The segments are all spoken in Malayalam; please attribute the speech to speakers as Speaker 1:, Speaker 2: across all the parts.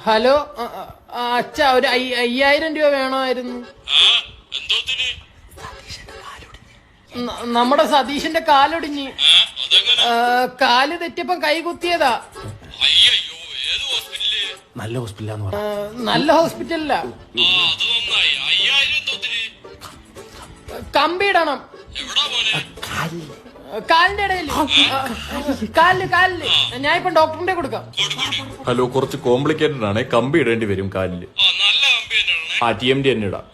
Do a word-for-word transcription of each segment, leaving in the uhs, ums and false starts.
Speaker 1: ഹലോ അച്ഛ ഒരു അയ്യായിരം രൂപ വേണമായിരുന്നു. നമ്മുടെ സതീഷിന്റെ കാലൊടിഞ്ഞ് കാല് തെറ്റിയപ്പം കൈ കുത്തിയതാ.
Speaker 2: നല്ല ഹോസ്പിറ്റലാന്ന് പറ.
Speaker 1: നല്ല ഹോസ്പിറ്റലില്ല. കമ്പിയിടണം കാലിന്റെ ഇടയിൽ. കാലില് കാലില് ഞാൻ ഇപ്പൊ ഡോക്ടറിന്റെ കൊടുക്കാം.
Speaker 3: ഹലോ, കുറച്ച് കോംപ്ലിക്കേറ്റഡ് ആണ്. കമ്പി ഇടേണ്ടി വരും കാലില്. ആ ടി എം ഡി തന്നെ ഇടാം.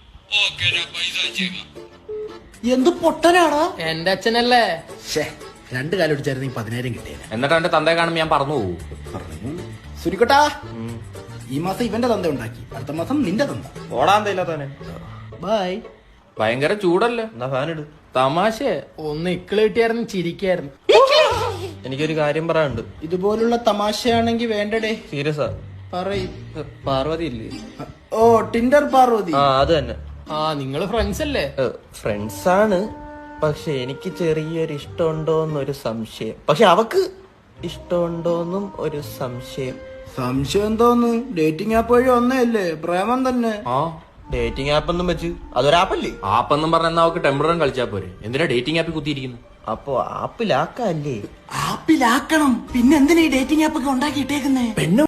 Speaker 2: എന്ത് പൊട്ടനാടാ
Speaker 1: എന്റെ അച്ഛനല്ലേ.
Speaker 2: രണ്ട് കാലം അടിച്ചായിരുന്നു പതിനായിരം കിട്ടിയത്.
Speaker 3: എന്നിട്ട് എന്റെ തന്തയെ കാണുമ്പോ ഞാൻ പറഞ്ഞു പോകും.
Speaker 2: സുരിക്കട്ടാ, ഈ മാസം ഇവന്റെ തന്ത ഉണ്ടാക്കി, അടുത്ത മാസം നിന്റെ തന്ത.
Speaker 4: ഓടാൻ തയ്യില്ലാത്തവനെ.
Speaker 2: ബൈ.
Speaker 3: ഭയങ്കര ചൂടല്ലേ?
Speaker 4: എന്നാ ഫാൻ ഇട്.
Speaker 3: തമാശ.
Speaker 1: ഒന്ന് ഇക്കിള് കിട്ടിയായിരുന്നു ചിരിക്കായിരുന്നു.
Speaker 4: എനിക്കൊരു കാര്യം പറയാനുണ്ട്.
Speaker 2: ഇതുപോലുള്ള തമാശയാണെങ്കി വേണ്ടടേ.
Speaker 4: സീരിയസാ
Speaker 2: പറയും.
Speaker 4: പാർവതി ഇല്ലേ?
Speaker 2: ഓ, ടിൻഡർ പാർവതി.
Speaker 4: ആ അത് തന്നെ.
Speaker 1: ആ നിങ്ങള് ഫ്രണ്ട്സ് അല്ലേ?
Speaker 4: ഫ്രണ്ട്സ് ആണ്, പക്ഷെ എനിക്ക് ചെറിയൊരു ഇഷ്ടമുണ്ടോന്നൊരു സംശയം. പക്ഷെ അവക്ക് ഇഷ്ടമുണ്ടോന്നും ഒരു സംശയം.
Speaker 2: സംശയം തോന്നു. ഡേറ്റിംഗ് ആപ്പ് വഴി ഒന്നല്ലേ പ്രേമം തന്നെ.
Speaker 3: ആ
Speaker 4: ഡേറ്റിംഗ് ആപ്പ് ഒന്നും വെച്ച് അതൊരാപ്പല്ലേ?
Speaker 3: ആപ്പെന്നും പറഞ്ഞ അവക്ക് ടെമ്പററി കളിച്ചാ പോരെ. എന്തിനാ ഡേറ്റിംഗ് ആപ്പിൽ കുത്തിയിരിക്കുന്നു?
Speaker 4: അപ്പൊ ആപ്പിലാക്കല്ലേ?
Speaker 2: ആപ്പിലാക്കണം. പിന്നെ എന്തിനാ ഈ ഡേറ്റിംഗ് ആപ്പ് ഒക്കെ ഉണ്ടാക്കി ഇട്ടേക്കുന്നേ? പെണ്ണു